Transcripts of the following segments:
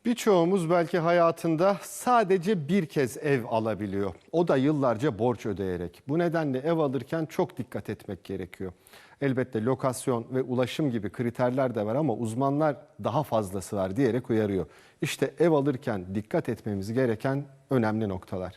Birçoğumuz belki hayatında sadece bir kez ev alabiliyor. O da yıllarca borç ödeyerek. Bu nedenle ev alırken çok dikkat etmek gerekiyor. Elbette lokasyon ve ulaşım gibi kriterler de var ama uzmanlar daha fazlası var diyerek uyarıyor. İşte ev alırken dikkat etmemiz gereken önemli noktalar.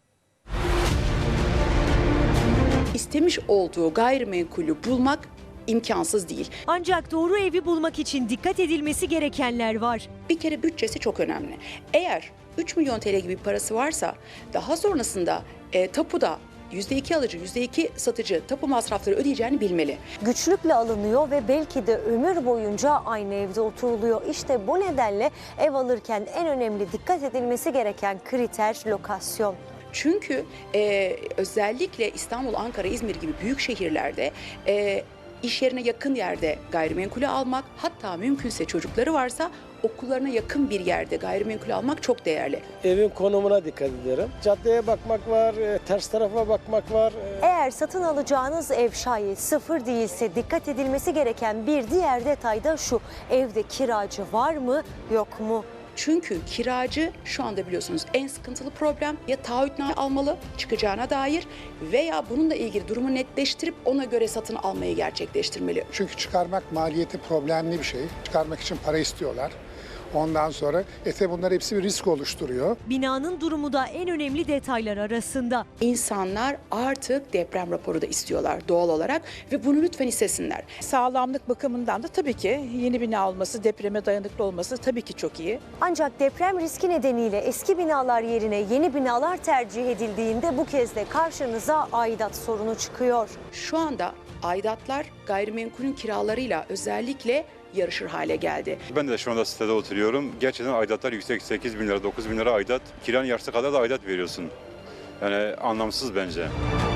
İstemiş olduğu gayrimenkulü bulmak imkansız değil. Ancak doğru evi bulmak için dikkat edilmesi gerekenler var. Bir kere bütçesi çok önemli. Eğer 3 milyon TL gibi bir parası varsa daha sonrasında tapuda %2 alıcı, %2 satıcı tapu masrafları ödeyeceğini bilmeli. Güçlükle alınıyor ve belki de ömür boyunca aynı evde oturuluyor. İşte bu nedenle ev alırken en önemli dikkat edilmesi gereken kriter lokasyon. Çünkü özellikle İstanbul, Ankara, İzmir gibi büyük şehirlerde iş yerine yakın yerde gayrimenkulü almak, hatta mümkünse çocukları varsa okullarına yakın bir yerde gayrimenkulü almak çok değerli. Evin konumuna dikkat ederim. Caddeye bakmak var, ters tarafa bakmak var. Eğer satın alacağınız ev şayet sıfır değilse dikkat edilmesi gereken bir diğer detay da şu: evde kiracı var mı, yok mu? Çünkü kiracı şu anda biliyorsunuz en sıkıntılı problem, ya taahhütname almalı çıkacağına dair veya bununla ilgili durumu netleştirip ona göre satın almayı gerçekleştirmeli. Çünkü çıkarmak maliyeti problemli bir şey. Çıkarmak için para istiyorlar. Ondan sonra bunlar hepsi bir risk oluşturuyor. Binanın durumu da en önemli detaylar arasında. İnsanlar artık deprem raporu da istiyorlar doğal olarak ve bunu lütfen istesinler. Sağlamlık bakımından da tabii ki yeni bina olması, depreme dayanıklı olması tabii ki çok iyi. Ancak deprem riski nedeniyle eski binalar yerine yeni binalar tercih edildiğinde bu kez de karşınıza aidat sorunu çıkıyor. Şu anda aidatlar gayrimenkulün kiralarıyla özellikle yarışır hale geldi. Ben de şu anda sitede oturuyorum. Gerçekten aidatlar yüksek. 8 bin lira, 9 bin lira aidat. Kiranın yarısı kadar da aidat veriyorsun. Yani anlamsız bence.